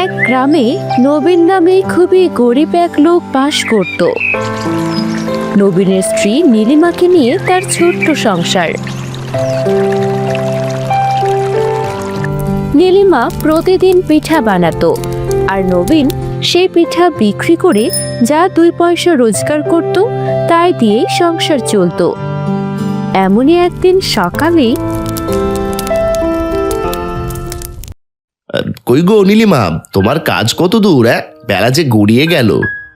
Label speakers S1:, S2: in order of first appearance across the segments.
S1: এক গ্রামে নবীন নামে খুবই গরিব এক লোক বাস করত। নবীনের স্ত্রী নীলিমাকে নিয়ে তার ছোট্ট সংসার। নীলিমা প্রতিদিন পিঠা বানাতো, আর নবীন সেই পিঠা বিক্রি করে যা 2 পয়সা রোজগার করত তাই দিয়েই সংসার চলতো। এমনই একদিন সকালে,
S2: কই গো নীলিমা, তোমার কাজ কত দূর? বেলা যে গড়িয়ে গেল।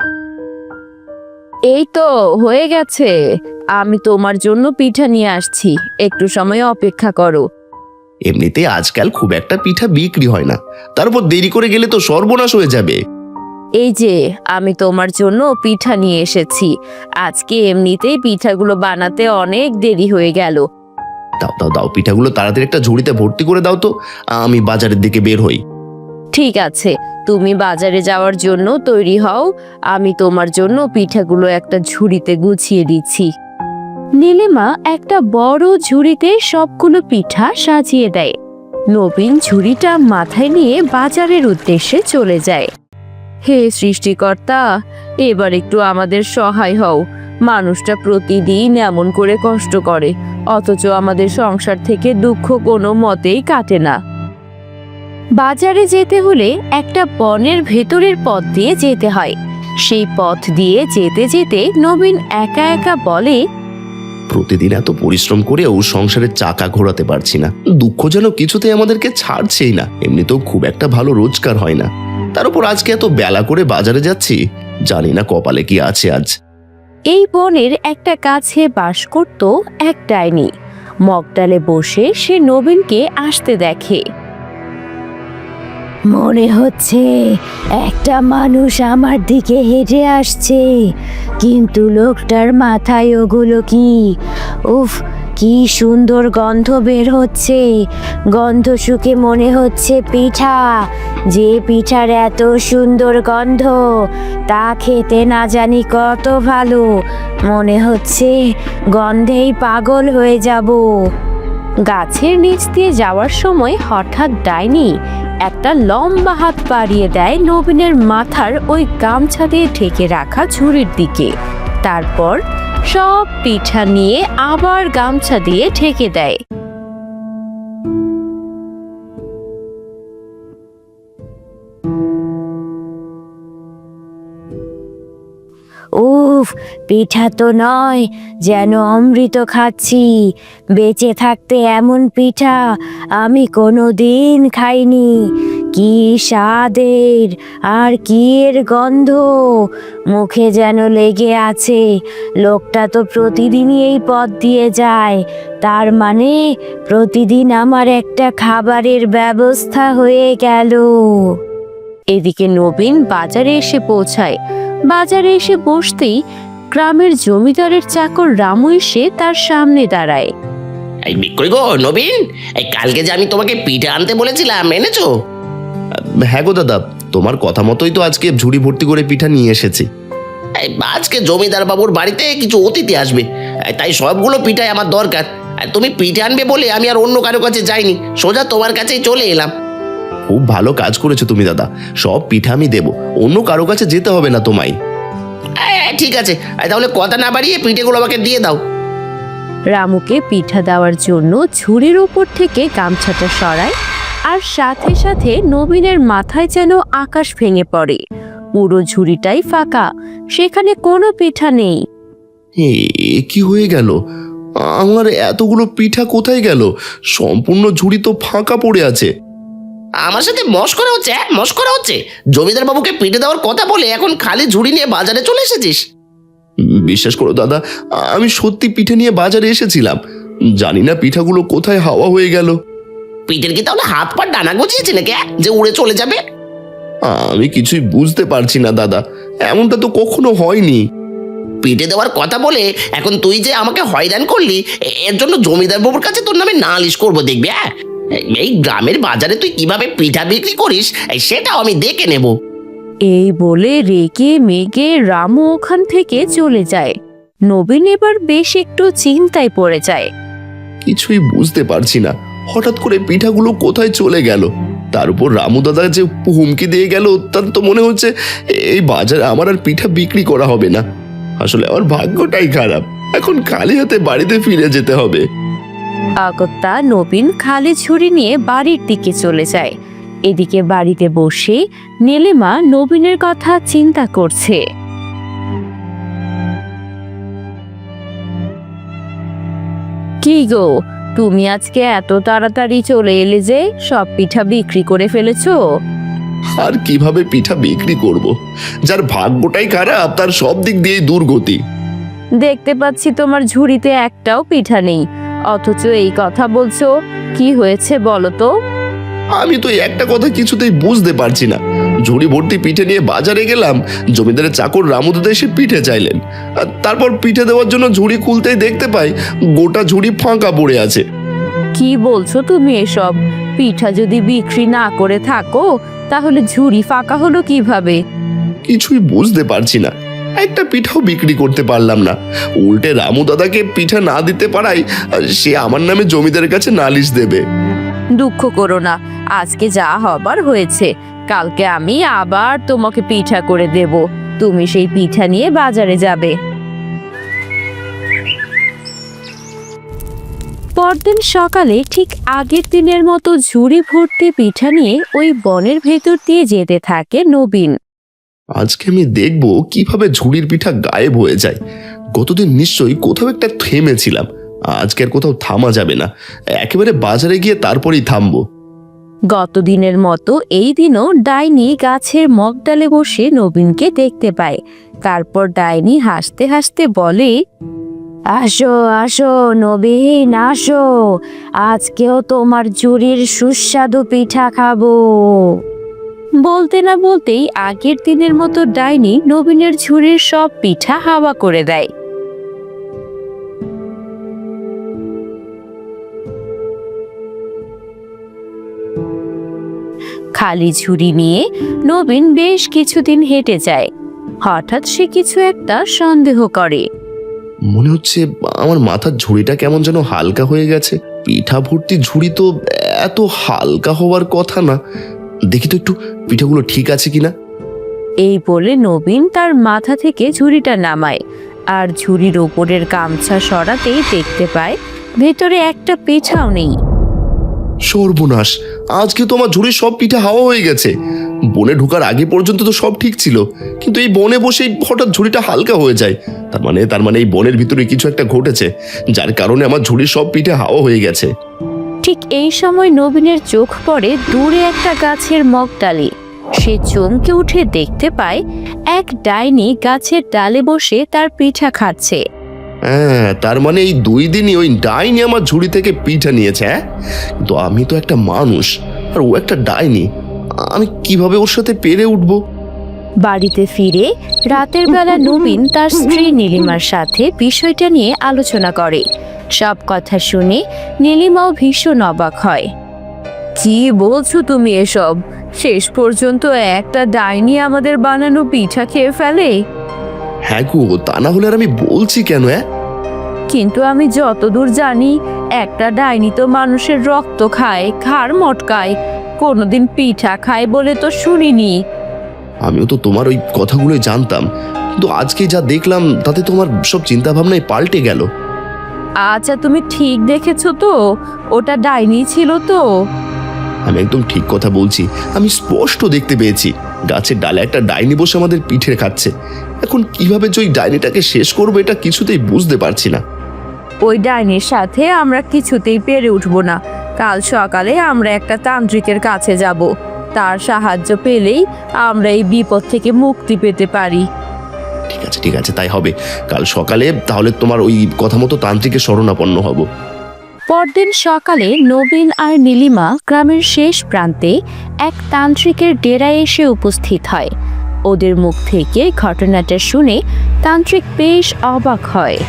S1: এই তো হয়ে গেছে, আমি তোমার জন্য পিঠা নিয়ে আসছি, একটু সময় অপেক্ষা করো।
S2: এমনিতে আজকাল খুব একটা পিঠা বিক্রি হয় না, তারপর দেরি করে গেলে তো সর্বনাশ হয়ে যাবে।
S1: এই যে আমি তোমার জন্য পিঠা নিয়ে এসেছি। আজকে এমনিতেই পিঠাগুলো বানাতে অনেক দেরি হয়ে গেল।
S2: দাও দাও দাও, পিঠাগুলো তাড়াতাড়ি একটা ঝুড়িতে ভর্তি করে দাও তো, আমি বাজারের দিকে বের হই।
S1: ঠিক আছে, তুমি বাজারে যাওয়ার জন্য তৈরি হও, আমি তোমার জন্য পিঠাগুলো একটা ঝুড়িতে গুছিয়ে দিচ্ছি। নীলিমা একটা বড় ঝুড়িতে সবগুলো পিঠা সাজিয়ে দেয়। নবীন ঝুড়িটা মাথায় নিয়ে বাজারের উদ্দেশ্যে চলে যায়। হে সৃষ্টিকর্তা, এবার একটু আমাদের সহায় হও। মানুষটা প্রতিদিন এমন করে কষ্ট করে, অথচ আমাদের সংসার থেকে দুঃখ কোনো মতেই কাটে না। বাজারে যেতে হলে একটা বনের ভেতরের পথ দিয়ে যেতে হয়। সেই পথ দিয়ে যেতে যেতে নবীন একা একা বলে,
S2: প্রতিদিন এত পরিশ্রম করেও সংসারের চাকা ঘোরাতে পারছি না। দুঃখ যেন কিছুতেই আমাদেরকে ছাড়ছেই না। এমনিতেও খুব একটা ভালো রোজগার হয় না, তার উপর আজকে এত বেলা করে বাজারে যাচ্ছি, জানি না কপালে কি আছে আজ।
S1: এই বনের একটা গাছে বাস করত এক ডাইনি। মগডালে বসে সে নবীনকে আসতে দেখে। মনে হচ্ছে একটা মানুষ আমার দিকে হেঁটে আসছে, কিন্তু লোকটার মাথায় ওগুলো কি? উফ, কি সুন্দর গন্ধ বের হচ্ছে। গন্ধ শুকে মনে হচ্ছে পিঠা। যে পিঠার এত সুন্দর গন্ধ, তা খেতে না জানি কত ভালো। মনে হচ্ছে গন্ধেই পাগল হয়ে যাব। গাছের নিচ দিয়ে যাওয়ার সময় হঠাৎ ডাইনি একটা লম্বা হাত বাড়িয়ে দেয় নবীনের মাথার ওই গামছা দিয়ে ঢেকে রাখা ঝুড়ির দিকে। তারপর সব পিঠা নিয়ে আবার গামছা দিয়ে ঢেকে দেয়। উফ, পিঠা তো নয়, যেন অমৃত খাচ্ছি। বেঁচে থাকতে এমন পিঠা আমি কোনোদিন খাইনি। কি স্বাদের আর কি এর গন্ধ, মুখে যেন লেগে আছে। লোকটা তো প্রতিদিনই এই পথ দিয়ে যায়, তার মানে প্রতিদিন আমার একটা খাবারের ব্যবস্থা হয়ে গেল। এদিকে নবীন বাজারে এসে পৌঁছায়। বাজারে এসে বসতেই গ্রামের জমিদারের চাকর রামু এসে তার সামনে দাঁড়ায়।
S3: এই বিক্রি গো নবীন, এই কালকে যে আমি তোমাকে পিঠা আনতে বলেছিলাম, এনেছো?
S2: হ্যাঁ গো দাদা, তোমার কথা মতোই তো আজকে ঝুড়ি ভর্তি করে পিঠা নিয়ে এসেছি।
S3: এই আজকে জমিদার বাবুর বাড়িতে কিছু অতিথি আসবে, তাই সবগুলো পিঠাই আমার দরকার। আর তুমি পিঠে আনবে বলে আমি আর অন্য কারো কাছে যাইনি, সোজা তোমার কাছেই চলে এলাম।
S2: খুব ভালো কাজ করেছো তুমি দাদা, সব পিঠা আমি দেবো, অন্য কারো কাছে যেতে হবে না তোমায়।
S3: ঠিক আছে, তাহলে কথা না বাড়িয়ে পিঠেগুলো আমাকে দিয়ে দাও।
S1: রামুকে পিঠা দেওয়ার জন্য ঝুড়ির ওপর থেকে গামছাটা সরায়, আর সাথে সাথে নবীনের মাথায় যেন আকাশ ভেঙে পড়ে। পুরো ঝুড়িটাই ফাঁকা, সেখানে কোনো পিঠা নেই।
S2: এ কি হয়ে গেল? আমার এতগুলো পিঠা কোথায় গেল? সম্পূর্ণ ঝুড়ি তো ফাঁকা পড়ে আছে।
S3: আমার সাথে মশকরা হচ্ছে? মশকরা হচ্ছে? জমিদার বাবুকে পিঠে দেওয়ার কথা বলে এখন খালি ঝুড়ি নিয়ে বাজারে চলে এসেছিস?
S2: বিশ্বাস করো দাদা, আমি সত্যি পিঠে নিয়ে বাজারে এসেছিলাম, জানি না পিঠাগুলো কোথায় হাওয়া হয়ে গেল।
S3: পিঠের কি তাহলে হাত পা ডানা গজিয়েছে নাকি, যে উড়ে চলে যাবে?
S2: আমি কিছুই বুঝতে পারছি না দাদা, এমনটা তো কখনো হয়নি।
S3: পিঠে দেওয়ার কথা বলে এখন তুই যে আমাকে হয়রান করলি, এর জন্য জমিদার বাবুর কাছে তোর নামে নালিশ করবো, দেখবি? এই গ্রামের বাজারে তুই কিভাবে পিঠা বিক্রি করিস সেটাও আমি দেখে নেব।
S1: এই বলে রেগে মেগে রামু ওখান থেকে চলে যায়। নবীন এবার বেশ একটু চিন্তায় পড়ে যায়।
S2: কিছুই বুঝতে পারছি না, হঠাৎ করে পিঠাগুলো কোথায় চলে গেল। তার উপর রামু দাদা যে হুমকি দিয়ে গেল, তার তো মনে হচ্ছে এই বাজারে আমার আর পিঠা বিক্রি করা হবে না। আসলে আমার ভাগ্যটাই খারাপ, এখন খালি হাতে বাড়িতে ফিরে যেতে হবে।
S1: অগত্যা নবীন খালি ছুরি নিয়ে বাড়ির দিকে চলে যায়। এদিকে বাড়িতে বসে নীলিমা নবীনের কথা চিন্তা করছে। কি গো, তুমি আজকে এত তাড়াতাড়ি চলে এলে যে? সব পিঠা বিক্রি করে ফেলেছো?
S2: আর কিভাবে পিঠা বিক্রি করব? যার ভাগ্যটাই খারাপ তার সব দিক দিয়েই দুর্গতি।
S1: দেখতে পাচ্ছি তোমার ঝুড়িতে একটাও পিঠা নেই, অথচ এই কথা বলছো। কি হয়েছে বলো তো?
S2: আমি তো এই একটা কথা কিছুতেই বুঝতে পারছি না। ঝুড়ি ভর্তি পিঠে নিয়ে বাজারে গেলাম, জমিদারের চাকর রামু দাদা এসে পিঠে চাইলেন। আর তারপর পিঠে দেওয়ার জন্য ঝুড়ি খুলতেই দেখতে পাই গোটা ঝুড়ি ফাঁকা পড়ে আছে।
S1: কি বলছো তুমি এসব? পিঠা যদি বিক্রি না করে থাকো তাহলে ঝুড়ি ফাঁকা হলো কিভাবে?
S2: কিছুই বুঝতে পারছি না, একটা পিঠাও বিক্রি করতে পারলাম না। উল্টে রামু দাদাকে পিঠা না দিতে পারায় সে আমার নামে জমিদারের কাছে নালিশ দেবে।
S1: দুঃখ করো না, আজকে যা হবার হয়েছে। কালকে আমি আবার তোমাকে পিঠা করে দেব, তুমি সেই পিঠা নিয়ে বাজারে যাবে। পরদিন সকালে ঠিক আগের দিনের মতো ঝুড়ি ভর্তি পিঠা নিয়ে ওই বনের ভেতর দিয়ে যেতে থাকে নবীন।
S2: আজকে আমি দেখব কিভাবে ঝুড়ির পিঠা গায়েব হয়ে যায়। গতদিন নিশ্চয়ই কোথাও একটা থেমেছিলাম, আজকে আর কোথাও থামা যাবে না। একেবারে বাজারে গিয়ে তারপরেই থামবো।
S1: গতদিনের মতো এই দিনও ডাইনি গাছের মগডালে বসে নবীনকে দেখতে পায়। তারপর ডাইনি হাসতে হাসতে বলে, আসো আসো নবীন, আসো, আজকেও তোমার ঝুড়ির সুস্বাদু পিঠা খাবো। বলতে না বলতেই আগের দিনের মতো ডাইনি নবীনের ঝুড়ির সব পিঠা হাওয়া করে দেয়। খালি ঝুড়ি নিয়ে নবীন বেশ কিছুদিন হেঁটে যায়। হঠাৎ সে কিছু একটা সন্দেহ করে।
S2: মনে হচ্ছে আমার মাথার ঝুড়িটা কেমন যেন হালকা হয়ে গেছে। পিঠা ভর্তি ঝুড়ি তো এত হালকা হওয়ার কথা না। দেখি তো একটু পিঠাগুলো ঠিক আছে কিনা।
S1: এই বলে নবীন তার মাথা থেকে ঝুড়িটা নামায়, আর ঝুড়ির ওপরের গামছা সরাতেই দেখতে পায় ভেতরে একটা পিঠাও নেই।
S2: সর্বনাশ, আজকে তো আমার ঝুড়ির সব পিঠা হাওয়া হয়ে গেছে। বনে ঢোকার আগে পর্যন্ত তো সব ঠিক ছিল, কিন্তু এই বনে বসেই হঠাৎ ঝুড়িটা হালকা হয়ে যায়। তার মানে এই বনের ভিতরে কিছু একটা ঘটেছে, যার কারণে আমার ঝুড়ির সব পিঠা হাওয়া হয়ে গেছে।
S1: ঠিক এই সময় নবীনের চোখ পড়ে দূরে একটা গাছের মগডালে। সে চমকে উঠে দেখতে পায় এক ডাইনি গাছের ডালে বসে তার পিঠা খাচ্ছে।
S2: হ্যাঁ, তার মানে এই 2 দিনই ওই ডাইনি আমার ঝুড়ি থেকে পিঠা নিয়েছে। হ্যাঁ, কিন্তু আমি তো একটা মানুষ আর ও একটা ডাইনি, আমি কিভাবে ওর সাথে পেরে উঠবো?
S1: বাড়িতে ফিরে রাতের বেলা নবীন তার স্ত্রী নীলিমার সাথে বিষয়টা নিয়ে আলোচনা করে। সব কথা শুনে নীলিমাও ভীষণ অবাক হয়। কি বলছো তুমি এসব? শেষ পর্যন্ত একটা ডাইনি আমাদের বানানো পিঠা খেয়ে ফেলে?
S2: হ্যাঁ গো, তা না হলে আর আমি বলছি কেন?
S1: কিন্তু আমি যতদূর জানি একটা ডাইনি তো মানুষের রক্ত খায়, ঘাড় মটকায়, কোনোদিন পিঠা খায় বলে তো শুনিনি।
S2: আমিও তো তোমার ওই কথাগুলোই জানতাম, কিন্তু আজকে যা দেখলাম তাতে তোমার সব চিন্তা ভাবনাই পাল্টে গেল।
S1: আচ্ছা, তুমি ঠিক দেখেছো তো? ওটা ডাইনি ছিল তো?
S2: আমি একদম ঠিক কথা বলছি, আমি স্পষ্ট দেখতে পেয়েছি গাছের ডালে একটা ডাইনি বসে আমাদের পিঠে খাচ্ছে। এখন কিভাবে যে ওই ডাইনিটাকে শেষ করবো এটা কিছুতেই বুঝতে পারছি না।
S1: ওই ডাইনির সাথে আমরা কিছুতেই পেরে উঠবো না। কাল সকালে আমরা একটা তান্ত্রিকের কাছে যাব, তার সাহায্য পেলেই আমরা এই বিপদ থেকে মুক্তি পেতে পারি।
S2: ঠিক আছে, তাই হবে। কাল সকালে তাহলে তোমার ওই কথা মতো তান্ত্রিকের শরণাপন্ন হব।
S1: পরদিন সকালে নবীন আর নীলিমা গ্রামের শেষ প্রান্তে এক তান্ত্রিকের ডেরায় এসে উপস্থিত হয়। ওদের মুখ থেকে ঘটনাটা শুনে তান্ত্রিক বেশ অবাক হয়।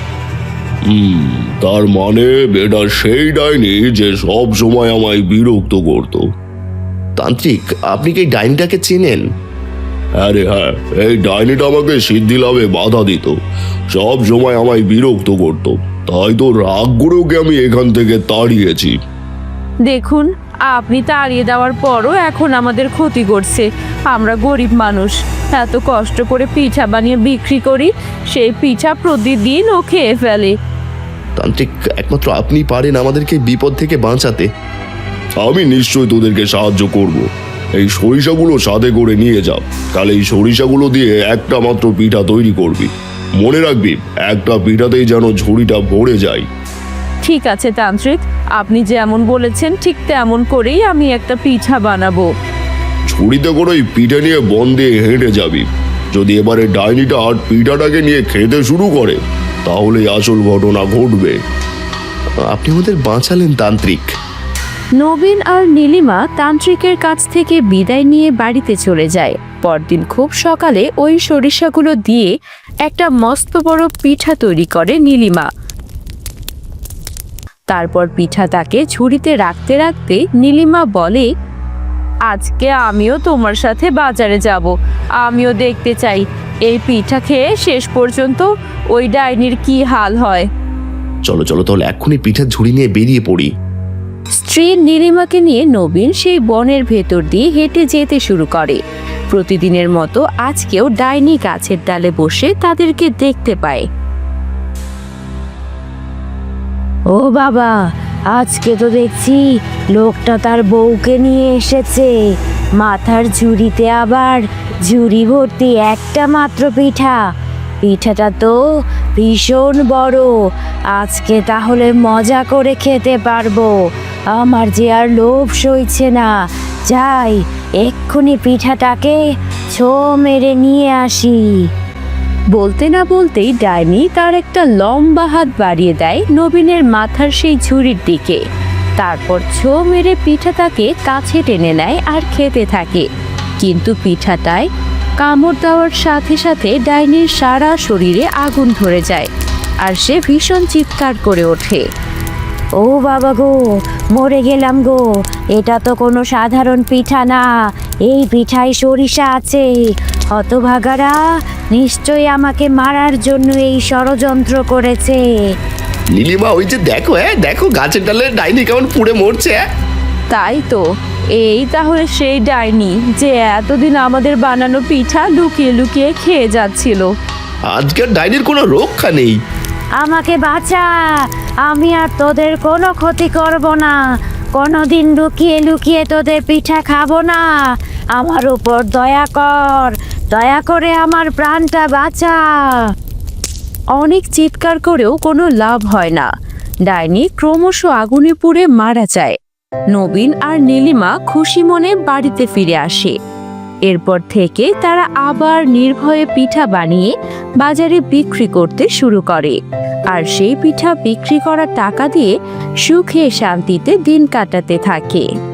S2: তার মানে এটা সেই ডাইনি যে সব সময় আমায় বিরক্ত করত। তান্ত্রিক, আপনি কি এই ডাইনিটাকে চেনেন? আরে হ্যাঁ, এই ডাইনিটা আমাকে সিদ্ধি লাভে বাধা দিত, সব সময় আমায় বিরক্ত করত, তাই তো রাগ করে ওকে আমি এখান থেকে তাড়িয়েছি।
S1: দেখুন, আপনি তাড়িয়ে দেওয়ার পরও এখন আমাদের ক্ষতি করছে। আমরা গরিব মানুষ, এত কষ্ট করে পিঠা বানিয়ে বিক্রি করি, সেই পিঠা প্রতিদিন ও খেয়ে ফেলে।
S2: তান্ত্রিক, একমাত্র আপনি পারেন আমাদেরকে বিপদ থেকে বাঁচাতে।
S4: আমি নিশ্চয়ই তোদেরকে সাহায্য করব। এই সরিষাগুলো সাথে করে নিয়ে যা, তাহলে এই সরিষাগুলো দিয়ে একটা মাত্র পিঠা তৈরি করবি। মনে রাখবি, একটা পিঠাতেই যেন ঝুড়িটা ভরে যায়।
S1: ঠিক আছে তান্ত্রিক, আপনি যেমন বলেছেন ঠিক তেমন করেই আমি একটা পিঠা বানাবো।
S4: ঝুড়িতে করে ওই পিঠে নিয়ে বন দিয়ে হেঁটে যাবি। যদি এবারে ডাইনিটা আর পিঠাটাকে নিয়ে খেতে শুরু করে, তাহলে আসল ঘটনা ঘটবে।
S2: আপনি আমাদের বাঁচালেন তান্ত্রিক।
S1: নবীন আর নীলিমা তান্ত্রিকের কাছ থেকে বিদায় নিয়ে বাড়িতে চলে যায়। পরদিন খুব সকালে ওই সরিষাগুলো দিয়ে একটা মস্ত বড় পিঠা তৈরি করে নীলিমা। তারপর পিঠা তাকে ঝুড়িতে রাখতে রাখতে নীলিমা বলে, আজকে আমিও তোমার সাথে বাজারে যাব। আমিও দেখতে চাই এই পিঠা খেয়ে শেষ পর্যন্ত ওই ডাইনির কি হাল হয়।
S2: চলো চলো, তাহলে এক্ষুনি পিঠার ঝুড়ি নিয়ে বেরিয়ে পড়ি।
S1: স্ত্রী নীলিমাকে নিয়ে নবীন সেই বনের ভেতর দিয়ে হেঁটে যেতে শুরু করে। প্রতিদিনের মতো আজকেও ডাইনি গাছের ডালে বসে তাদেরকে দেখতে পায়। ও বাবা, আজকে তো দেখছি লোকটা তার বউকে নিয়ে এসেছে। মাথার ঝুড়িতে আবার ঝুড়ি ভর্তি একটা মাত্র পিঠা। পিঠাটা তো ভীষণ বড়। আজকে তাহলে মজা করে খেতে পারবো। আমার যে আর লোভ সইছে না। যাই, এক্ষুনি পিঠাটাকে ছো মেরে নিয়ে আসি। বলতে না বলতেই ডাইনি তার একটা লম্বা হাত বাড়িয়ে দেয় নবীনের মাথার সেই ঝুড়ির দিকে। তারপর ছো মেরে পিঠাটাকে কাছে টেনে নেয় আর খেতে থাকে। কিন্তু পিঠাটায় কামড় দেওয়ার সাথে সাথে ডাইনির সারা শরীরে আগুন ধরে যায় আর সে ভীষণ চিৎকার করে ওঠে। ও বাবা গো, মরে গেলাম গো। এটা তো কোনো সাধারণ পিঠা না, এই পিঠায় সরিষা আছে। হতভাগারা নিশ্চয়ই আমাকে মারার জন্য এই ষড়যন্ত্র করেছে।
S2: নীলিমা, ওই যে দেখো, দেখো গাছের ডালে ডাইনি কেমন পুড়ে মরছে।
S1: তাই তো, এই তাহলে সেই ডাইনি যে এতদিন আমাদের বানানো পিঠা লুকিয়ে লুকিয়ে খেয়ে যাচ্ছিল।
S2: আজকের ডাইনির কোনো রক্ষা নেই।
S1: আমাকে বাঁচা, আমি আর তোদের কোনো ক্ষতি করব না। কোনোদিন লুকিয়ে লুকিয়ে তোদের পিঠা খাবো না। আমার উপর দয়া কর, দয়া করে আমার প্রাণটা বাঁচা। অনেক চিৎকার করেও কোনো লাভ হয় না। ডাইনি ক্রমশ আগুনে পুড়ে মারা যায়। নবীন আর নীলিমা খুশি মনে বাড়িতে ফিরে আসে। এরপর থেকে তারা আবার নির্ভয়ে পিঠা বানিয়ে বাজারে বিক্রি করতে শুরু করে। আর সেই পিঠা বিক্রি করা টাকা দিয়ে সুখে শান্তিতে দিন কাটাতে থাকে।